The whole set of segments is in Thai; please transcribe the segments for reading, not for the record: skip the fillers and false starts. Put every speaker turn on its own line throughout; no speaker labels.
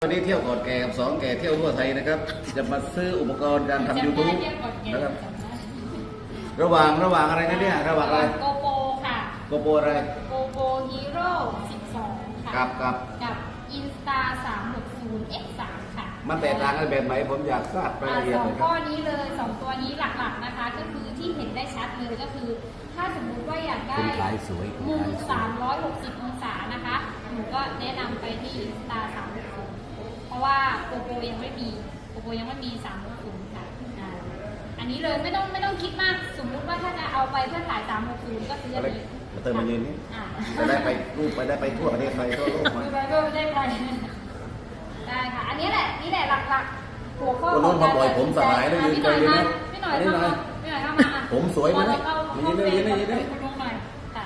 วันนี้เที่ยวก่อนแก่กับสองแก่เที่ยวทั่วไทยนะครับจะมาซื้ออุปกรณ์การทำ YouTube นะครับระหว่างอะไรนะเนี่ยระหว่างอะไร
โกโปรค่ะ
โกโปรอะไร
โกโปรฮีโร่12ค่ะ
กับ
อินสตา360 X3 ค่ะ
มันแตกต่างกันแบบไหนผมอยากทราบรายละเอียดเลยครับ
ข้อนี้เลย2ตัวนี้หลักๆนะคะก็คือที่เห็นได้ชัดเลยก็คือถ้าสมมุติว่าอยากได้มุม360องศานะคะหนูก็แนะนำไปที่อินสตา360เพราะว่าโกโปรยังไม่มี360ค่ะอันนี้เลยไม่ต้องคิดมากสมมุติว่าถ้าจะเอาไปเพื่อถ่าย360ก็ซื้ออันนี้
มาเติมมายืนนี่จะได้ไปรูปไปได้ไปทั่วประเทศไทยทั่วโลกมา
ได้ไปได้ค่ะอันนี้แหละหลักๆหัวข้อ
ของการบ่อยผมสลายได้ยืนไปเลยนะ
พี่หน่อยเข้ามา
ผมสวยไหมยืนได้
คุณลุงหน่อยค่ะ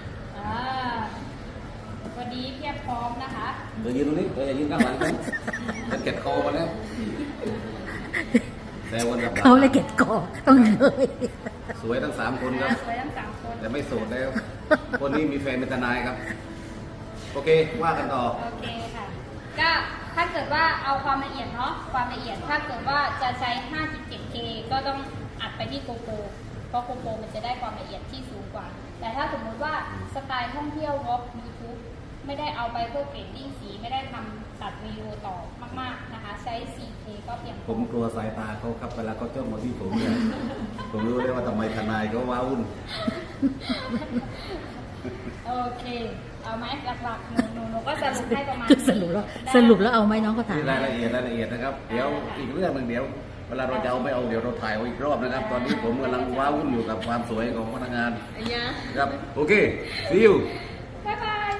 วันนี้เพียบพร้อมนะคะ
เดี๋ยวยืนตรงนี้เดี๋ยวยืนข้างหลังกันมันเก็บคอมาแล้ว
เขาเลยเก็บกอต้องเลย
สวยทั้ง3คนครับ
สวยทั้ง3คน
แต่ไม่โสดแล้วคนนี้มีแฟนเป็นทนายครับโอเคว่ากันต่อ
โอเคค่ะก็ถ้าเกิดว่าเอาความละเอียดเนาะความละเอียดถ้าเกิดว่าจะใช้ 5.7K ก็ต้องอัดไปที่โกโปรเพราะโกโปรมันจะได้ความละเอียดที่สูงกว่าแต่ถ้าสมมติว่าสไตล์ท่องเที่ยววอล์ก YouTube ไม่ได้เอาไปเพื่อเกรดดิ้งสีไม่ได้ทำตัดวิดีโอต่อมากๆนะคะใช้ 4K ก็เพียงพอ
ผมกลัวสายตาเขาครับเวลาเขาจ้องมาที่ผมเนี่ยผมรู้เลยว่าทำไมทนายเขาว้าวุ่น
โอเคเอาไหมหลักๆหนูก็สรุปให้ประมาณ
สรุปแล้วเอาไหมน้องก็ถาม
รายละเอียดนะครับเดี๋ยวอีกเรื่องหนึ่งเดี๋ยวเวลาเราจะเอาไม่เอาเดี๋ยวเราถ่ายอีกรอบนะครับตอนนี้ผมกำลังว้าวุ่นอยู่กับความสวยของพนักงานครับโอเค see you
บ๊ายบาย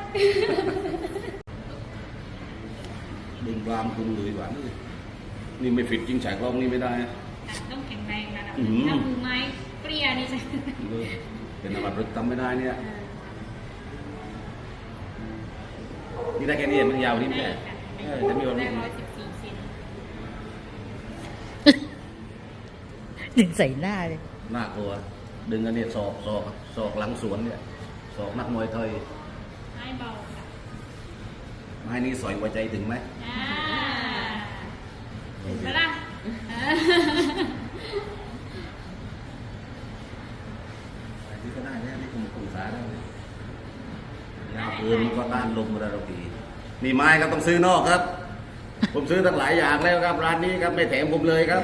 ดึงรามคุณเลยหวานนี่ไม่ฟิตจริงฉากลองนี่ไม่ได้
ต้องแข็งแรงนะถ้ามือไม้เปรี้ยนี่ใช่
เป็นอะไรรึกทำไม่ได้เนี่ยนี่ได้แค่นี้มันยาวนี่ไม่ได้จะมีวันนี้
114 เซน
ดึงใส่หน้าเลย
น่ากลัวดึงอันนี้ศอกหลังสวนเนี่ยศอกนักมวยไทย
ไม่เบาค่ะ
ไม้นี้สอยหัวใจถึงไหม
ถึงแล้วล่ะ
นี่ก็ได้เนี่ยนี่คุณศึกษาได้ยาวปืนก็ต้านลมระดับดีนี่ไม้ก็ต้องซื้อนอกครับ ผมซื้อตั้งหลายอย่างแล้วครับร้านนี้ครับไม่แถมผมเลยครับ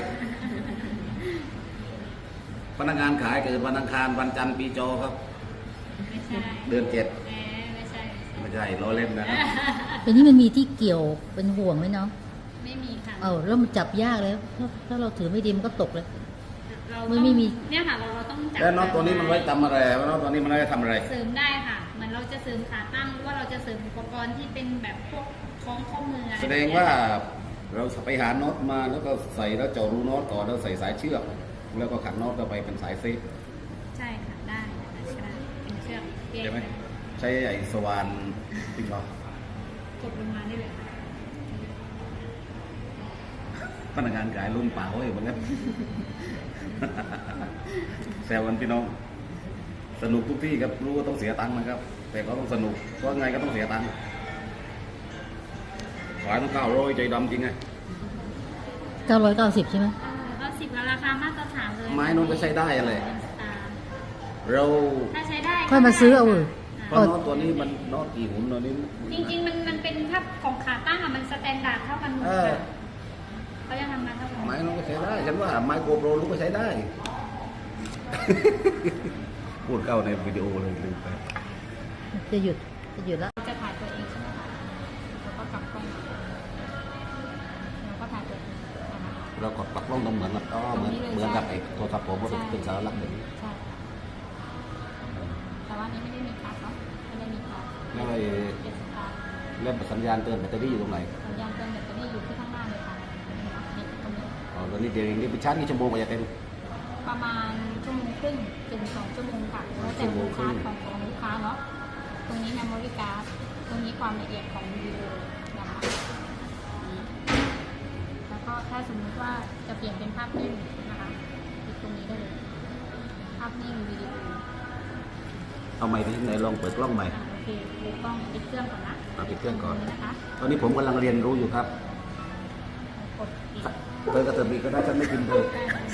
พนักงานขายเกิดวันอังคารวันจันทร์ปีจอครับ
ไม่ใช่
เดือน7ไม่ใช่ล้อเล่นนะ
อันนี้มันมีที่เกี่ยวเป็นห่วงไหมน้อง
ไม่มีค่ะ
แล้วมันจับยากแล้วถ้าเราถือไม่ดีมันก็ตกเลย
ไม่มีเนี่ยค่ะเราต้องจับ
แล้วน็อตตัวนี้มันไว้ทำอะไรน็อตตัวนี้มันไว้ทำอะไร
เสริมได้ค่ะเหมือนเราจะเสริมขาตั้งหรือว่าเราจะเสริมอุปกรณ์ที่เป็นแบบพวกคล้องข้อมือ
แสดงว่าเราไปหาน็อตมาแล้วก็ใส่แล้วเจาะรูน็อตก่อนแล้วใส่สายเชือกแล้วก็ขันน็อตเข้าไปเป็นสายเซฟ
ใช่ค่ะได้เป็นเชือก
ใช่ไหมใช้ไอ้สว่านจริงเหรอ
กดลงมาได้เลย
พนักงานขายรุ่นเปล่าอยู่เหมือนกันแซวกันพี่น้องสนุกทุกที่ครับรู้ว่าต้องเสียตังค์นะครับแต่ก็ต้องสนุกเพราะไงก็ต้องเสียตังค์ขายต้อง900ใจดำจริงไง
990ใช่ไหม
90ราคามาตรฐานเลย
ไม้นู้นก็ใช้ได้อะไรเรา
ถ้าใช้ได้
ค่อยมาซื้อเอา
เพราะน็อตตัวนี้มันน็อตกี่หุ่นตัวนี้
จริงๆมันเป็นถ้าของขาตั้งมันสแตนดาร์ดเท่ากันหมดเขาจะทำงานเท่ากัน
ไม้นู้นก็ใช้ได้ฉันว่าไม้โกโปรรู้ก็ใช้ได้พูดเข้าในวิดีโอเลยลืมไป
จะหยุดแล้ว
จะถ่ายตัวเองใช่ไหมคะแล้วก็กลับกล้องแล้วก็ถ่ายตัวเอง
เรากดปลักกล้องตรงเหมือนกับเหมือนกับไอ้โทรศัพท์ผมว่าเป็นสารลักษณ์แบบนี้
ใช่แต่ว่านี้ไม่ได้มีคัสเนาะไม่ได้มีคัส
แล้วสัญญาณเตือนแบตเตอรี่อยู่ตรงไหน
สัญญาณเตือนแบตเตอรี่อยู่ที่ข้างหน้าเลยค่ะนี่ตรงนี้
ตอนนี้เดี๋ยวนี้ไปชาร์จกี่ชั่วโมงก็จะเต็ม
ประมาณ1.5 ถึง 2 ชั่วโมงค่ะแล้วแต่ลูกค้าของลูกค้าเนาะตรงนี้ memory card ตรงนี้ความละเอียดของวิดีโอนะคะแล้วก็ถ้าสมมติว่าจะเปลี่ยนเป็นภาพนิ่งนะคะติดตรงนี้ได้เลยภาพนิ่งวิดีโอ
เอาใหม่ที่ไหนลองเปิดกล้องใหม่
โอเคดูกล้องปิดเครื่องก่อนนะ
ปิดเครื่องก่อนนะคะตอนนี้ผมกำลังเรียนรู้อยู่ครับ
กดปิด
เธอก็เธอมีก็ได้ฉันไม่กินเธอ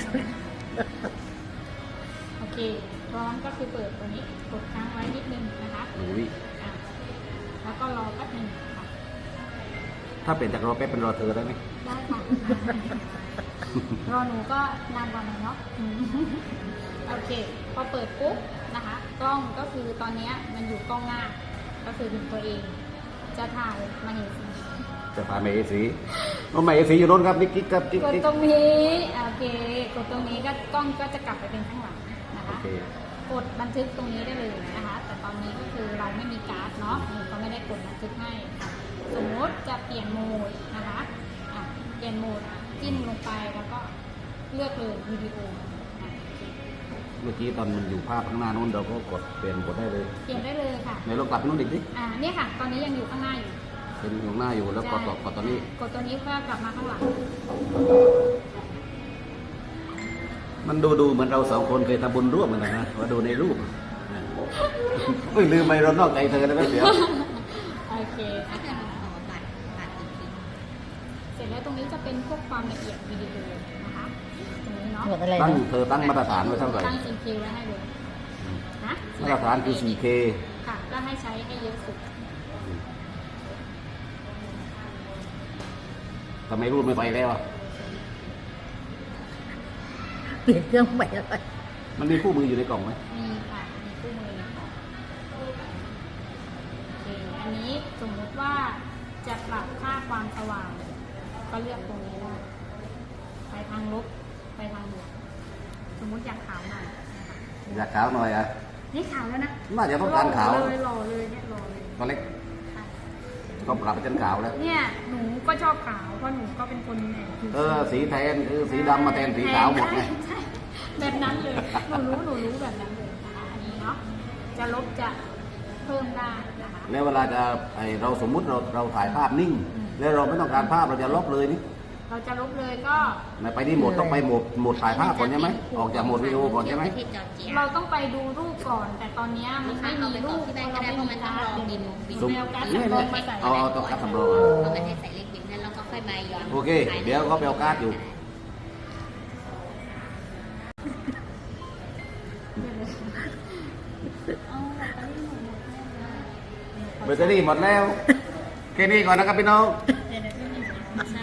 โอเคร้อนก็คือเปิดตัวนี้กดค้างไว้นิดนึงนะคะ
อุ้ย
อ่ะแล้วก็รอแป๊บนึงค่ะ
ถ้าเปลี่ยนจากรอแป๊บเป็นรอเธอได้ไหม
ได้ค่ะ รอหนูก็นานกว่าหน่อยเนาะอืมโอเค พอเปิดปุ๊บนะคะ กล้องก็คือตอนเนี้ยมันอยู่กล้องหน้า ก็คือถึงตัวเอง จะถ่ายมาเห็นสี
จะพาเมย์สีน้องเมย์สีอยู่โน้นครับนี่กิ๊กครับกิ๊ก
กด
กิ๊ก
ตรงนี้โอเค กดตรงนี้ก็กล้องก็จะกลับไปเป็นข้างหลังนะ
โอ
คะ
เค
กดบันทึกตรงนี้ได้เลยนะคะ แต่ตอนนี้ก็คือเราไม่มีการ์ดเนาะหนูก็ไม่ได้กดบันทึกให้ค่ะสมมติจะเปลี่ยนโหมดนะคะอ่ะเปลี่ยนโหมดจิ้มลงไปแล้วก็เลือกเลยวิดีโออ่ะโอเค
เมื่อกี้ตอนมันอยู่ภาพข้างหน้านู้นเราก็กดเปลี่ยนกดได้เลย
เปลี่ยนได้เลยค่ะ
ไหนลองกลับไปนู้นอีกดิ
เนี่ยค่ะ ตอนนี้ยังอยู่ข้างหน้าอยู่
เป็นอยู่ข้างหน้าอยู่แล้วกดกดตอนนี้
กดตัวนี้เพื่อกลับมาข้างหลัง
มันดูเหมือนเราสองคนเคยทำบุญร่วมกันนะว่าดูในรูปเฮ้ยลืมไปเรานอกใจเธอได้ไหมเดี๋ยว
โอเคนะคะเสร็จแล้วตรงนี้จะเป็นพวกความละเอียดวิดีโอนะคะตรงนี้เนาะ
หมดอะไร
ตั้ง
นะ
เธอตั้งมาตรฐานไว้เท่าไหร่
ตั้ง CQ ไว้ให้เลยนะ
มาตรฐานคือ 4K
ค่ะก็ให้ใช้ให้เยอะสุด
ทำไมรูปไม่ไปแล้วอ่ะ
เปลี่ยนเครื่องใหม่แล้วไป
มันมีคู่มืออยู่ในกล่องไหม
มีค่ะ มีคู่มือในกล่องโอเค อันนี้สมมุติว่าจะปรับค่าความสว่าง ก็เลือกตรงนี้ได้ไปทางลบ ไปทางบวก สมมุติอยากขาวหน่อยนะคะ
อยากขาวหน่อยอ่ะ
นี่ขาวแล้วนะ
น่าจะต้องการขาว
หล่อเลยหล่อเลยเนี่ยหล่อเลย
ตัวเล็ก
ค่ะ
ก็ปรับไปจนขาวแล้ว
เนี่ยหนูก็ชอบขาวเพราะหนูก็เป็นคนผิว
สีแทนคือสีดำมาแทนสีขาวหมดไง
ใช่แบบนั้นเลย หนูรู้แบบนั้นเลยนะคะอันนี้เนาะ จะลบจะเพิ่มได้นะคะ
แล้วเวลาจะเราสมมุติเราถ่ายภาพนิ่ง แล้วเราไม่ต้องการภาพเราจะลบเลยนี่
เราจะลบเลยก็
ไปที่โหมดต้องไปโหมดถ่ายภาพก่อนใช่ไหมออกจากโหมดวิดีโอก่อนใช่ไหม
เราต้องไปดูรูปก่อน แต่ตอนเนี้ยมันไม่มีรูป
ที่บ้านก็ได้เพราะมันต้องรอบิน
สม
แนวการ
นี่
สำร
เนี่
อย งมาใส่
เอาตัวการ์ดสำรอง
เพราะมันให้ใส่เลขบินแล้วเราก็ค่อยมาย้อน
โอเค เดี๋ยวก็ไปเอาการ์ดอยู่
เอาแบตเตอรี่หมด
แบตเตอรี่หมดแล้วแค่นี้ก่อนนะครับพี่น้อง
เดี๋ยวๆไม่มีใช่